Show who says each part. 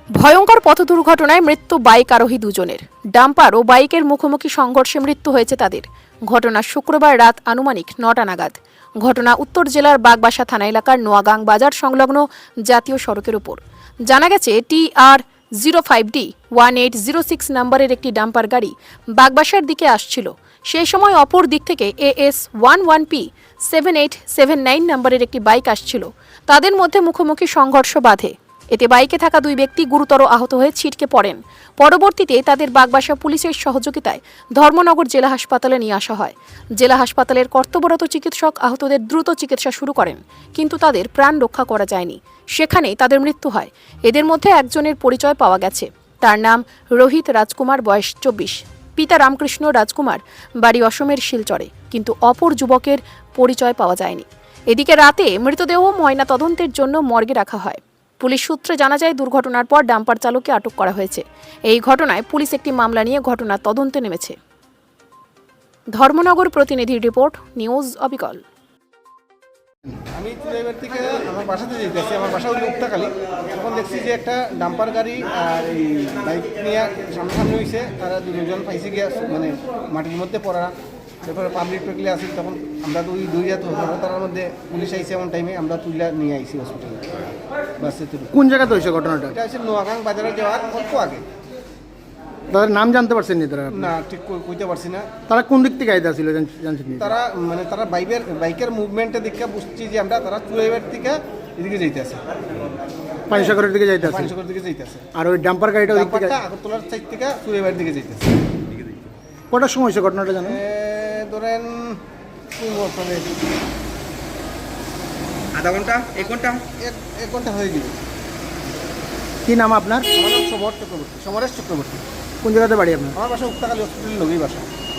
Speaker 1: ভয়ঙ্কর পথ দুর্ঘটনায় মৃত্যু বাইক আরোহী দুজনের। ডাম্পার ও বাইকের মুখোমুখি সংঘর্ষে মৃত্যু হয়েছে তাদের। ঘটনা শুক্রবার রাত আনুমানিক ৯টা নাগাদ। ঘটনা উত্তর জেলার বাগবাসা থানা এলাকার নোয়াগাং বাজার সংলগ্ন জাতীয় সড়কের উপর। জানা গেছে TR05D 1806 নম্বরের একটি ডাম্পার গাড়ি বাগবাসার দিকে আসছিল। সেই সময় অপর দিক থেকে AS11P 7879 নম্বরের একটি বাইক আসছিল। তাদের মধ্যে মুখোমুখি সংঘর্ষ বাধে। এতে বাইকে থাকা দুই ব্যক্তি গুরুতর আহত হয়ে ছিটকে পড়েন। পরবর্তীতে তাদের বাগবাসা পুলিশের সহযোগিতায় ধর্মনগর জেলা হাসপাতালে নিয়ে আসা হয়। জেলা হাসপাতালের কর্তব্যরত চিকিৎসক আহতদের দ্রুত চিকিৎসা শুরু করেন, কিন্তু তাদের প্রাণ রক্ষা করা যায়নি। সেখানেই তাদের মৃত্যু হয়। এদের মধ্যে একজনের পরিচয় পাওয়া গেছে। তার নাম রোহিত রাজকুমার, বয়স 24। পিতা রামকৃষ্ণ রাজকুমার, বাড়ি অসমের শিলচরে, কিন্তু অপর যুবকের পরিচয় পাওয়া যায়নি। এদিকে রাতে মৃতদেহ ময়না তদন্তের জন্য মর্গে রাখা হয়। পুলিশ সূত্রে জানা যায়, দুর্ঘটনার পর ডাম্পার চালককে আটক করা হয়েছে। এই ঘটনায় পুলিশ একটি মামলা নিয়ে ঘটনার তদন্তে নেমেছে। ধর্মনগর প্রতিনিধির রিপোর্ট, নিউজ অবিকল।
Speaker 2: আমি চুলাইবার থেকে আমার বাসাতে যেতেছি, আমার বাসা হলো উক্তাকালী। তখন দেখছি যে একটা ডাম্পার গাড়ি আর এই বাইক নিয়ে সামনাসামনি হয়েছে। তারা দুজন পাইছে গিয়া মানে মাটির মধ্যে পড়া। তারপরে পাবলিক প্রক্রিয়া আসি, তখন আমরা তো ওই দুই রাত তার মধ্যে পুলিশ আইসি এমন টাইমে আমরা তুলে নিয়ে আইসি হসপিটালে। বাসে তুলে
Speaker 3: কোন জায়গাতে হয়েছে ঘটনাটা?
Speaker 2: এটা হচ্ছে নোয়াগাং বাজারে যাওয়ার অল্প আগে।
Speaker 3: তাদের নাম জানতে পারছেন নি তারা?
Speaker 2: না, ঠিক কইতে পারছি না।
Speaker 3: তারা কোন দিক থেকে আইতা ছিল জানছেন নি?
Speaker 2: তারা বাইকের মুভমেন্টের দিকে বুঝছি যে আমরা তারা চুলাইবার থেকে এদিকে যাইতেছে,
Speaker 3: পানিসাগরের দিকে যাইতে আছে।
Speaker 2: পানিসাগর দিকে যাইতেছে।
Speaker 3: আর ওই ডাম্পার গাড়িটা ওই দিক থেকে
Speaker 2: আগরতলার সাইড থেকে চুলাইবার দিকে যাইতেছে।
Speaker 3: কটার সময় হয়েছে ঘটনাটা জানেন?
Speaker 2: ধরেন
Speaker 4: আধা ঘন্টা, 1 ঘন্টা,
Speaker 2: 1 ঘন্টা হয়ে গেল।
Speaker 3: কি নাম আপনার?
Speaker 2: আমার নাম সমর চক্রবর্তী, সমরেশ চক্রবর্তী।
Speaker 3: কোন জায়গাতে বাড়ি আপনার?
Speaker 2: আমার বাসা উক্তাকালী হসপিটালের লগেই বাসা।